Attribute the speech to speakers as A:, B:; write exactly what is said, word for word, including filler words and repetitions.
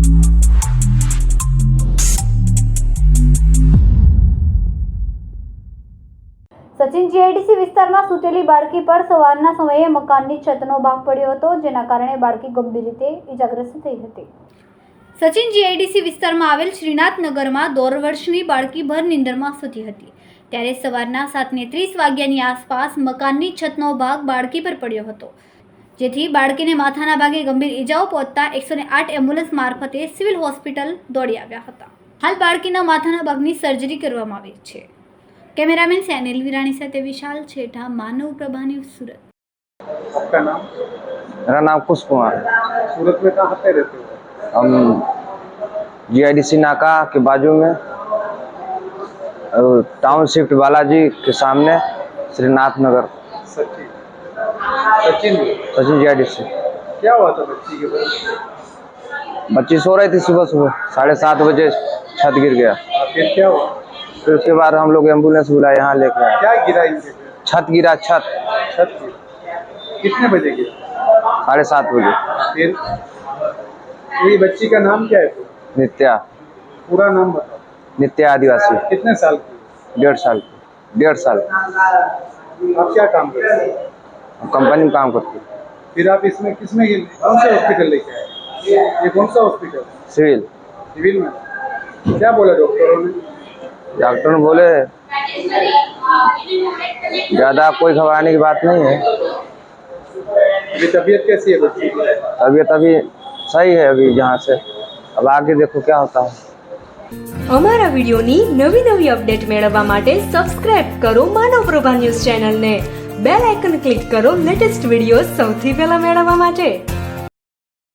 A: Sachin GIDC વિસ્તારમાં સૂતેલી બાળકી પર સવારના સમયે મકાનની છતનો ભાગ પડ્યો હતો, જેના કારણે બાળકી ગંભીર રીતે ઇજાગ્રસ્ત થઈ હતી. સચિન જીઆઈડીસી વિસ્તારમાં આવેલ શ્રીનાથનગરમાં દોઢ વર્ષની બાળકી ભર નીંદરમાં સૂતી હતી. ત્યારે સવારના સાતને ત્રીસ વાગ્યાની આસપાસ મકાનની છતનો ભાગ બાળકી પર પડ્યો હતો, જેથી બાળકીને માથાના ભાગે ગંભીર ઇજાઓ પહોંચતા એકસો આઠ એમ્બ્યુલન્સ મારફતે સિવિલ હોસ્પિટલ દોડી આવ્યા હતા. હાલ બાળકીના માથાના ભાગની સર્જરી કરવામાં આવી છે. कैमरामैन सैनिल वीरानी साथे विशाल छेठा, मानव प्रभा न्यूज़, सूरत।
B: आपका नाम?
C: मेरा नाम कुश कुमार।
B: सूरत में कहाँ पे रहते हो?
C: हम जीआईडीसी नाका के बाजू में टाउन शिफ्ट बालाजी के सामने श्रीनाथ नगर।
B: सचिन सचिन
C: सचिन जीआईडीसी।
B: क्या हुआ था बच्ची के पास?
C: बच्ची सो रही थी, सुबह सुबह साढ़े सात बजे छत गिर गया।
B: फिर क्या हुआ?
C: फिर उसके बाद हम लोग एम्बुलेंस बुलाए, यहाँ लेकर आए।
B: क्या गिरा इनके पे?
C: छत गिरा, छत
B: छत गिरा। कितने बजे गिरा?
C: साढ़े सात बजे।
B: फिर ये बच्ची का नाम क्या है?
C: नित्या।
B: पूरा नाम बताओ।
C: नित्या आदिवासी।
B: कितने साल की?
C: डेढ़ साल डेढ़ साल
B: आप क्या काम करते हैं?
C: कंपनी में काम करती है।
B: फिर आप इसमें किसमें कौन से हॉस्पिटल लेके आए? ये कौन सा हॉस्पिटल?
C: सिविल।
B: सिविल में क्या बोला डॉक्टरों ने?
C: डॉक्टर ने बोले ज़्यादा कोई घबराने की बात नहीं है।
B: अभी तबीयत कैसी है बच्ची की?
C: तबीयत अभी सही है, अभी यहाँ से अब आगे देखो क्या होता है।
D: અમારા વિડિયોની નવી નવી અપડેટ મેળવવા માટે સબસ્ક્રાઇબ કરો માનવ પ્રભા ન્યૂઝ ચેનલને. બેલ આઇકન ક્લિક કરો લેટેસ્ટ વિડિયો સૌથી પહેલા મેળવવા માટે.